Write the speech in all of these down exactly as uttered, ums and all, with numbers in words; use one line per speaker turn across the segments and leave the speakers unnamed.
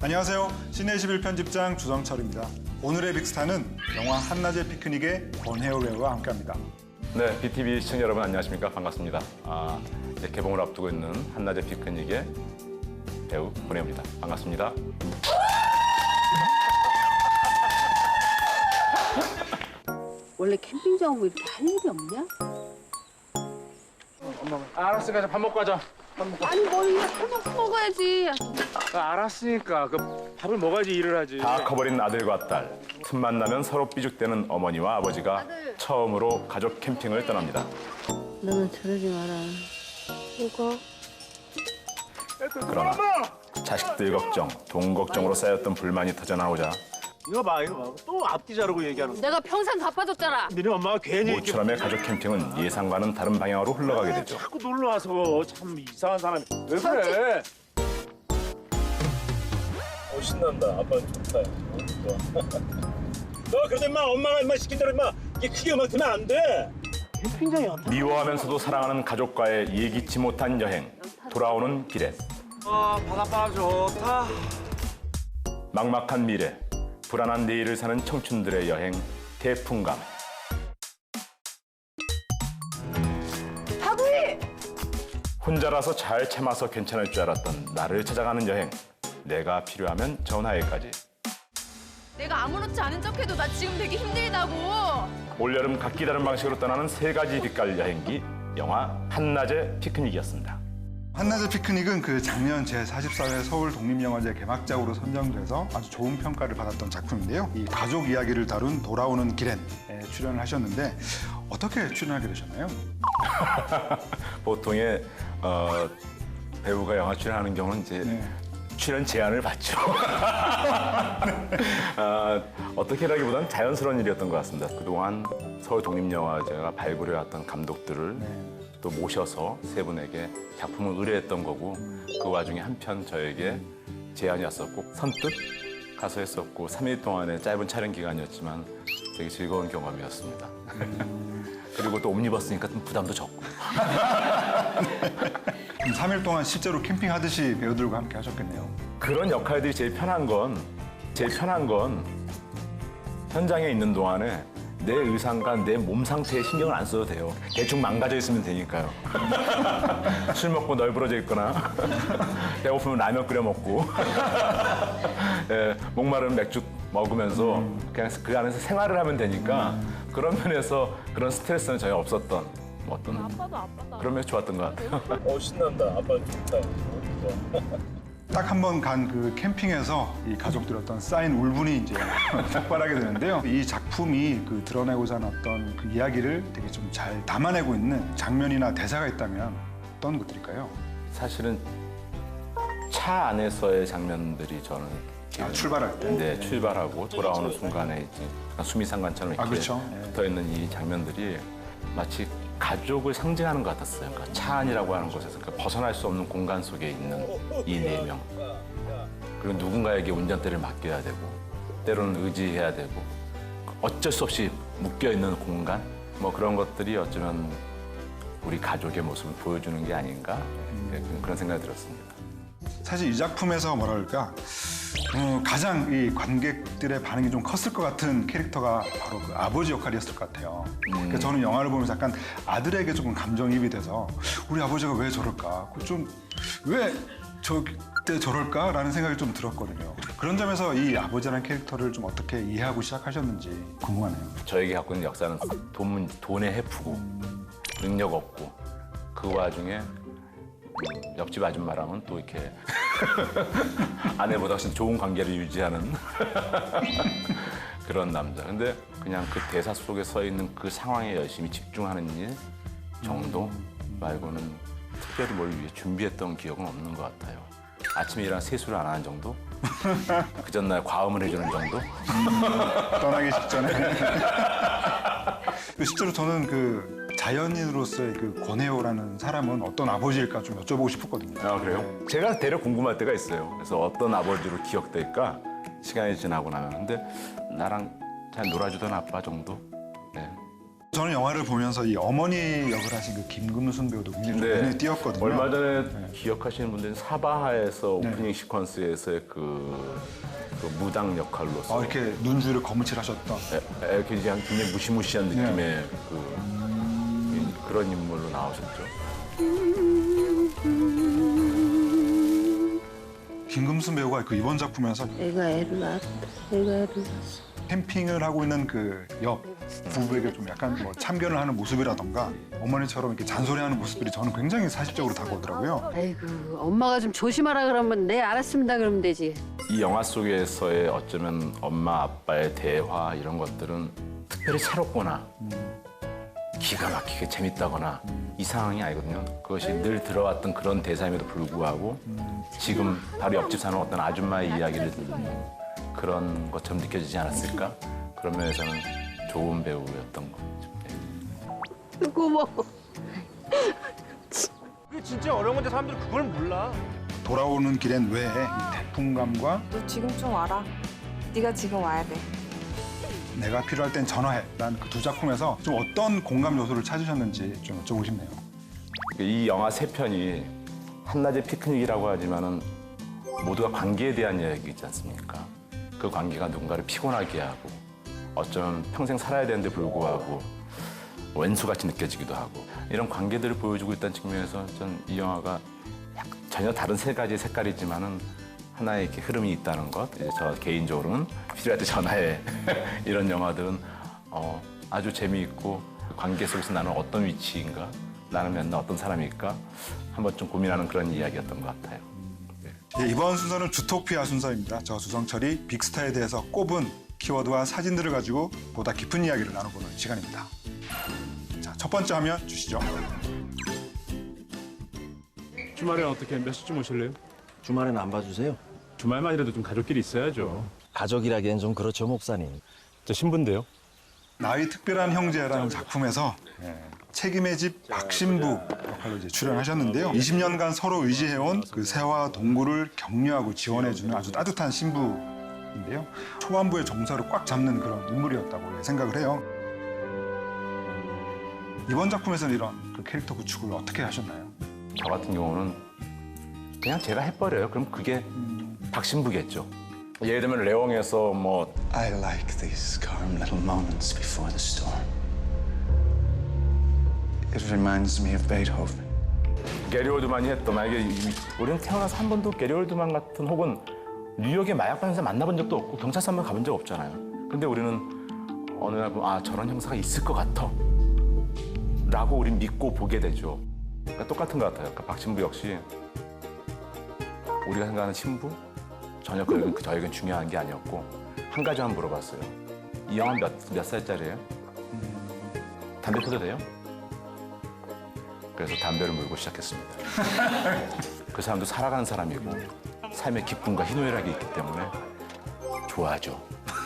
안녕하세요. 시내 십일 편집장 주성철입니다. 오늘의 빅스타는 영화 한낮의 피크닉의 권혜호 배우와 함께합니다.
네, 비티비 시청자 여러분 안녕하십니까? 반갑습니다. 아, 이제 개봉을 앞두고 있는 한낮의 피크닉의 배우 권혜호입니다. 반갑습니다.
원래 캠핑장 오고 이렇게 할 일이 없냐?
아, 알았으니까 밥 먹고 가자. 밥 먹고.
아니 뭘 이거 해먹고 먹어야지.
아, 알았으니까 그 밥을 먹어야지 일을 하지.
다 커버린 아들과 딸, 틈만 나면 서로 삐죽대는 어머니와 아버지가
아들.
처음으로 가족 캠핑을 떠납니다.
너는 저러지 마라. 뭐가?
그러나 자식들 걱정, 돈 걱정으로 쌓였던 불만이 터져나오자
이거 봐, 이거 봐. 또 앞뒤 자르고 얘기하는 거.
내가 평생 갚아줬잖아.
너네 엄마가 괜히 이렇게
모처럼의 가족 캠핑은 예상과는 다른 방향으로 흘러가게 되죠.
자꾸 놀러 와서 참 이상한 사람이. 왜 그래? 어, 신난다. 아빠 좋다. 너 그러다 임마 엄마가 임마 시킨 대로 임마 이게 크게 음악 틀면 안 돼. 캠핑장이 어때?
미워하면서도 사랑하는 가족과의 예기치 못한 여행. 돌아오는 길에
아, 바닷바람 좋다.
막막한 미래, 불안한 내일을 사는 청춘들의 여행, 태풍감.
다구이!
혼자라서 잘 참아서 괜찮을 줄 알았던 나를 찾아가는 여행. 내가 필요하면 전화해까지.
내가 아무렇지 않은 척해도 나 지금 되게 힘들다고.
올여름 각기 다른 방식으로 떠나는 세 가지 빛깔 여행기, 영화 한낮의 피크닉이었습니다.
한낮의 피크닉은 그 작년 제사십사 회 서울 독립영화제 개막작으로 선정돼서 아주 좋은 평가를 받았던 작품인데요. 이 가족 이야기를 다룬 돌아오는 길엔 출연을 하셨는데 어떻게 출연하게 되셨나요?
보통의 어, 배우가 영화 출연하는 경우는 이제
네.
출연 제안을 받죠. 어, 어떻게라기보다는 자연스러운 일이었던 것 같습니다. 그동안 서울 독립영화제가 발굴해왔던 감독들을
네.
또 모셔서 세 분에게 작품을 의뢰했던 거고 그 와중에 한편 저에게 제안이 왔었고 선뜻 가서 했었고 삼 일 동안의 짧은 촬영 기간이었지만 되게 즐거운 경험이었습니다. 그리고 또 옴니버스니까 좀 부담도 적고.
삼 일 동안 실제로 캠핑하듯이 배우들과 함께 하셨겠네요.
그런 역할들이 제일 편한 건 제일 편한 건 현장에 있는 동안에 내 의상과 내 몸 상태에 신경을 안 써도 돼요. 대충 망가져 있으면 되니까요. 술 먹고 널브러져 있거나 배고프면 라면 끓여 먹고 예, 목마르면 맥주 먹으면서 그냥 그 안에서 생활을 하면 되니까 그런 면에서 그런 스트레스는 전혀 없었던 뭐 어떤
아빠도 아빠다.
그런 면에서 좋았던 것 같아요.
어, 신난다. 아빠 좋다.
딱 한 번 간 그 캠핑에서 이 가족들 어떤 쌓인 울분이 이제 폭발하게 되는데요. 이 작품이 그 드러내고자 하는 어떤 그 이야기를 되게 좀 잘 담아내고 있는 장면이나 대사가 있다면 어떤 것들일까요?
사실은 차 안에서의 장면들이 저는
아, 출발할 때?
네, 출발하고 돌아오는 순간에 이제 수미상관처럼 이렇게
아, 그렇죠.
붙어 있는 이 장면들이 마치 가족을 상징하는 것 같았어요. 그러니까 차 안이라고 하는 곳에서 그러니까 벗어날 수 없는 공간 속에 있는 이 네 명. 그리고 누군가에게 운전대를 맡겨야 되고 때로는 의지해야 되고 어쩔 수 없이 묶여 있는 공간 뭐 그런 것들이 어쩌면 우리 가족의 모습을 보여주는 게 아닌가 네, 그런 생각이 들었습니다.
사실 이 작품에서 뭐랄까 어, 가장 이 관객들의 반응이 좀 컸을 것 같은 캐릭터가 바로 그 아버지 역할이었을 것 같아요. 그러니까 저는 영화를 보면서 약간 아들에게 조금 감정이입이 돼서 우리 아버지가 왜 저럴까? 좀 왜 저때 저럴까라는 생각이 좀 들었거든요. 그런 점에서 이 아버지라는 캐릭터를 좀 어떻게 이해하고 시작하셨는지 궁금하네요.
저에게 갖고 있는 역사는 돈, 돈에 헤프고 능력 없고 그 와중에 옆집 아줌마랑은 또 이렇게 아내보다 훨씬 좋은 관계를 유지하는 그런 남자. 근데 그냥 그 대사 속에 서 있는 그 상황에 열심히 집중하는 일 정도 말고는 특별히 뭘 위해 준비했던 기억은 없는 것 같아요. 아침에 일어나 세수를 안 하는 정도? 그 전날 과음을 해주는 정도?
떠나기 직전에. 실제로 저는 그 자연인으로서의 그 권혜호라는 사람은 어떤 아버지일까 좀 여쭤보고 싶었거든요.
아, 그래요?
네.
제가 대략 궁금할 때가 있어요. 그래서 어떤 아버지로 기억될까? 시간이 지나고 나면. 근데 나랑 잘 놀아주던 아빠 정도? 네.
저는 영화를 보면서 이 어머니 역을 하신 그 김금순 배우도 굉장히 좀 눈에 띄었거든요.
얼마 전에 기억하시는 분들은 사바하에서
네.
오프닝 시퀀스에서의 그, 그 무당 역할로서
아, 이렇게 눈주를 거무칠하셨던.
에, 에, 굉장히 굉장히 무시무시한
네.
느낌의 그, 그런 인물로 나오셨죠.
김금순 배우가 그 이번 작품에서
내가 애를 낳았다. 내가 애를 낳았어.
캠핑을 하고 있는 그 옆 부부에게 좀 약간 뭐 참견을 하는 모습이라던가 어머니처럼 이렇게 잔소리하는 모습들이 저는 굉장히 사실적으로 다가오더라고요.
아이고 엄마가 좀 조심하라 그러면 네 알았습니다 그러면 되지.
이 영화 속에서의 어쩌면 엄마 아빠의 대화 이런 것들은 특별히 새롭거나 기가 막히게 재밌다거나 이 상황이 아니거든요. 그것이 늘 들어왔던 그런 대사임에도 불구하고 지금 바로 옆집 사는 어떤 아줌마의 이야기를 듣는 그런 것처럼 느껴지지 않았을까? 그런 면에서는 좋은 배우였던 거죠. 네.
고마워.
그게 진짜 어려운 건데 사람들이 그걸 몰라.
돌아오는 길엔 왜 이 태풍감과
너 지금 좀 와라. 네가 지금 와야 돼.
내가 필요할 땐 전화해 라는 그 두 작품에서 좀 어떤 공감 요소를 찾으셨는지 좀 여쭤보고 싶네요.
이 영화 세 편이 한낮의 피크닉이라고 하지만은 모두가 관계에 대한 이야기이지 않습니까? 그 관계가 누군가를 피곤하게 하고 어쩌면 평생 살아야 되는데 불구하고 왼수같이 느껴지기도 하고 이런 관계들을 보여주고 있다는 측면에서 전 이 영화가 전혀 다른 세 가지의 색깔이지만은 하나의 이렇게 흐름이 있다는 것. 이제 저 개인적으로는 필요할 때 전화해 이런 영화들은 어, 아주 재미있고 관계 속에서 나는 어떤 위치인가, 나는 맨날 어떤 사람일까 한번 좀 고민하는 그런 이야기였던 것 같아요.
예, 이번 순서는 주토피아 순서입니다. 저 주성철이 빅스타에 대해서 꼽은 키워드와 사진들을 가지고 보다 깊은 이야기를 나눠보는 시간입니다. 자, 첫 번째 화면 주시죠.
주말에 어떻게 몇 시쯤 오실래요?
주말엔 안 봐주세요?
주말만이라도 좀 가족끼리 있어야죠.
가족이라기엔 좀 그렇죠, 목사님.
저 신부인데요.
나의 특별한 형제라는 작품에서 예, 책임의 집 박신부 역할로 이제 출연하셨는데요. 이십 년간 서로 의지해온 그 새와 동굴을 격려하고 지원해주는 아주 따뜻한 신부인데요. 초반부의 정서를 꽉 잡는 그런 인물이었다고 생각을 해요. 이번 작품에서는 이런 그 캐릭터 구축을 어떻게 하셨나요?
저 같은 경우는 그냥 제가 해버려요. 그럼 그게 박신부겠죠. 예를 들면 레옹에서 뭐
I like these calm little moments before the storm. It reminds me of Beethoven.
게리 올드만이 했던 만약에 이- 우리는 태어나서 한 번도 게리 올드만 같은 혹은 뉴욕의 마약 판사 만나본 적도 없고 경찰서 한 번 가본 적 없잖아요. 근데 우리는 어느 날 보면 아 저런 형사가 있을 것 같아 라고 우린 믿고 보게 되죠. 그러니까 똑같은 것 같아요. 그러니까 박신부 역시 우리가 생각하는 신부 전혀 그 저에겐 중요한 게 아니었고 한 가지만 물어봤어요. 이 영화 몇, 몇 살짜리예요? 담배 피워도 돼요? 그래서 담배를 물고 시작했습니다. 그 사람도 살아가는 사람이고 삶의 기쁨과 희노애락이 있기 때문에 좋아하죠.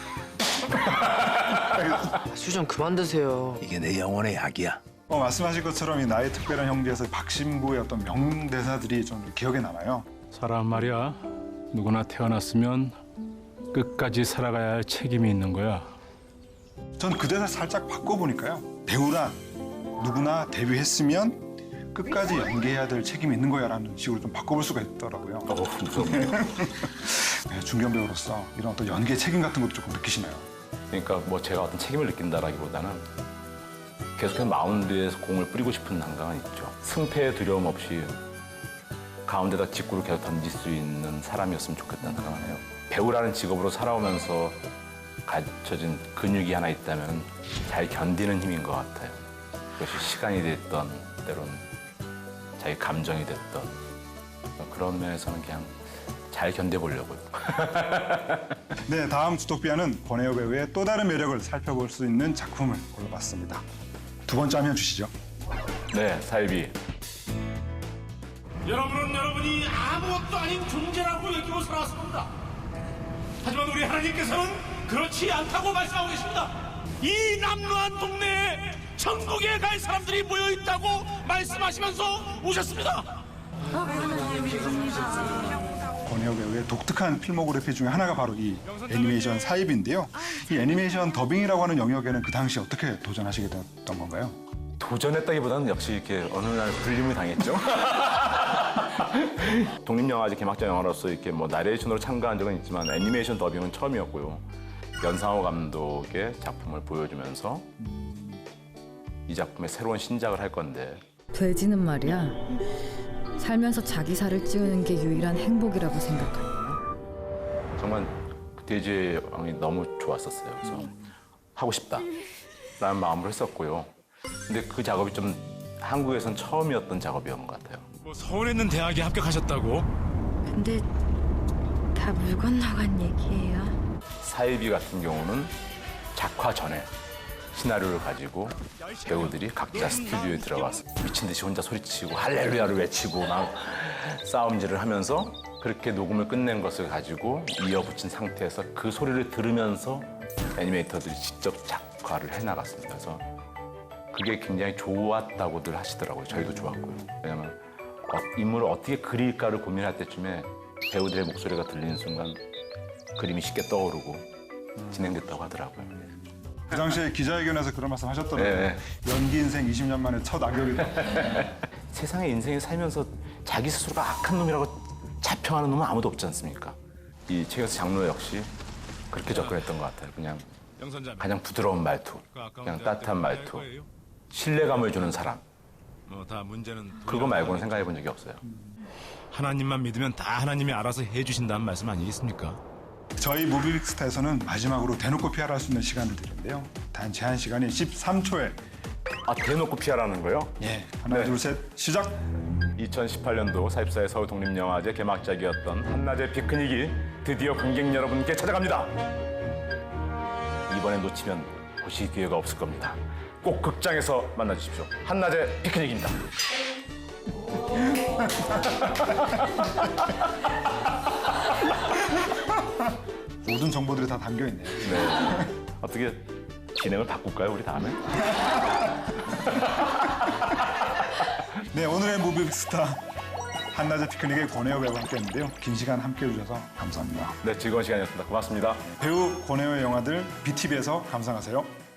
술 좀 그만 드세요.
이게 내 영혼의 약이야.
어, 말씀하신 것처럼 이 나의 특별한 형제에서 박신부의 어떤 명대사들이 좀 기억에 남아요.
사람 말이야. 누구나 태어났으면 끝까지 살아가야 할 책임이 있는 거야.
전 그 대사 살짝 바꿔보니까요. 배우란 누구나 데뷔했으면 끝까지 연기해야 될 책임이 있는 거야라는 식으로 좀 바꿔볼 수가 있더라고요.
어, 무섭네요.
네, 중견 배우로서 이런 어떤 연기의 책임 같은 것도 조금 느끼시나요?
그러니까 뭐 제가 어떤 책임을 느낀다라기보다는 계속해서 마운드에서 공을 뿌리고 싶은 난강은 있죠. 승패에 두려움 없이 가운데다 직구를 계속 던질 수 있는 사람이었으면 좋겠다는 생각을 해요. 배우라는 직업으로 살아오면서 갖춰진 근육이 하나 있다면 잘 견디는 힘인 것 같아요. 그것이 시간이 됐던 때로는 자기 감정이 됐던 그런 면에서는 그냥 잘 견뎌보려고요.
네, 다음 주토피아는 권혜호 배우의 또 다른 매력을 살펴볼 수 있는 작품을 골라봤습니다. 두 번째 화면 주시죠.
네, 사이비.
여러분은 여러분이 아무것도 아닌 존재라고 여기고 살아왔습니다. 하지만 우리 하나님께서는 그렇지 않다고 말씀하고 계십니다. 이 남루한 동네에 천국에 갈 사람들이 모여 있다고 말씀하시면서 오셨습니다.
권혜호 배우의 독특한 필모그래피 중에 하나가 바로 이 애니메이션 사입인데요. 이 애니메이션 더빙이라고 하는 영역에는 그 당시 어떻게 도전하시게 됐던 건가요?
도전했다기보다는 역시 이렇게 어느 날 불림을 당했죠. 독립영화제 개막자 영화로서 이렇게 뭐 나레이션으로 참가한 적은 있지만 애니메이션 더빙은 처음이었고요. 연상호 감독의 작품을 보여주면서 이 작품의 새로운 신작을 할 건데
돼지는 말이야. 살면서 자기 살을 찌우는 게 유일한 행복이라고 생각한다.
정말 그 돼지의 왕이 너무 좋았었어요. 그래서 하고 싶다라는 마음으로 했었고요. 근데 그 작업이 좀 한국에선 처음이었던 작업이었던 것 같아요.
뭐 서울에 있는 대학에 합격하셨다고?
근데 다 물 건너간 얘기예요.
사이비 같은 경우는 작화 전에 시나리오를 가지고 배우들이 각자 스튜디오에 들어가서 미친 듯이 혼자 소리치고 할렐루야를 외치고 막 싸움질을 하면서 그렇게 녹음을 끝낸 것을 가지고 이어붙인 상태에서 그 소리를 들으면서 애니메이터들이 직접 작화를 해나갔습니다. 그래서 그게 굉장히 좋았다고들 하시더라고요. 저희도 좋았고요. 왜냐하면 어, 인물을 어떻게 그릴까를 고민할 때쯤에 배우들의 목소리가 들리는 순간 그림이 쉽게 떠오르고 진행됐다고 하더라고요.
그 당시에 기자회견에서 그런 말씀 하셨더라고요.
네.
연기 인생 이십 년 만에 첫 악역이다.
세상의 인생을 살면서 자기 스스로가 악한 놈이라고 자평하는 놈은 아무도 없지 않습니까? 이 최경수 장로 역시 그렇게 접근했던 것 같아요. 그냥 가장 부드러운 말투, 그냥 따뜻한 말투, 신뢰감을 주는 사람.
뭐다 문제는
그거 말고는 생각해 본 적이 없어요.
하나님만 믿으면 다 하나님이 알아서 해주신다는 말씀 아니겠습니까?
저희 무비빅스타에서는 마지막으로 대놓고 피아를 할 수 있는 시간을 드리는데요. 단 제한 시간이 십삼 초에
아, 대놓고 피하라는 거요?
예. 하나,
네.
둘, 셋, 시작!
이천십팔 년도 사십사회 서울 독립영화제 개막작이었던 한낮의 피크닉이 드디어 관객 여러분께 찾아갑니다. 이번에 놓치면 보실 기회가 없을 겁니다. 꼭 극장에서 만나주십시오. 한낮의 피크닉입니다.
모든 정보들이 다 담겨있네요.
네. 어떻게 진행을 바꿀까요, 우리 다음에?
네, 오늘의 무비빅스타 한낮의 피크닉의 권혜호 배우와 함께했는데요. 긴 시간 함께해 주셔서 감사합니다.
네, 즐거운 시간이었습니다. 고맙습니다.
배우 권혜호의 영화들 비티비에서 감상하세요.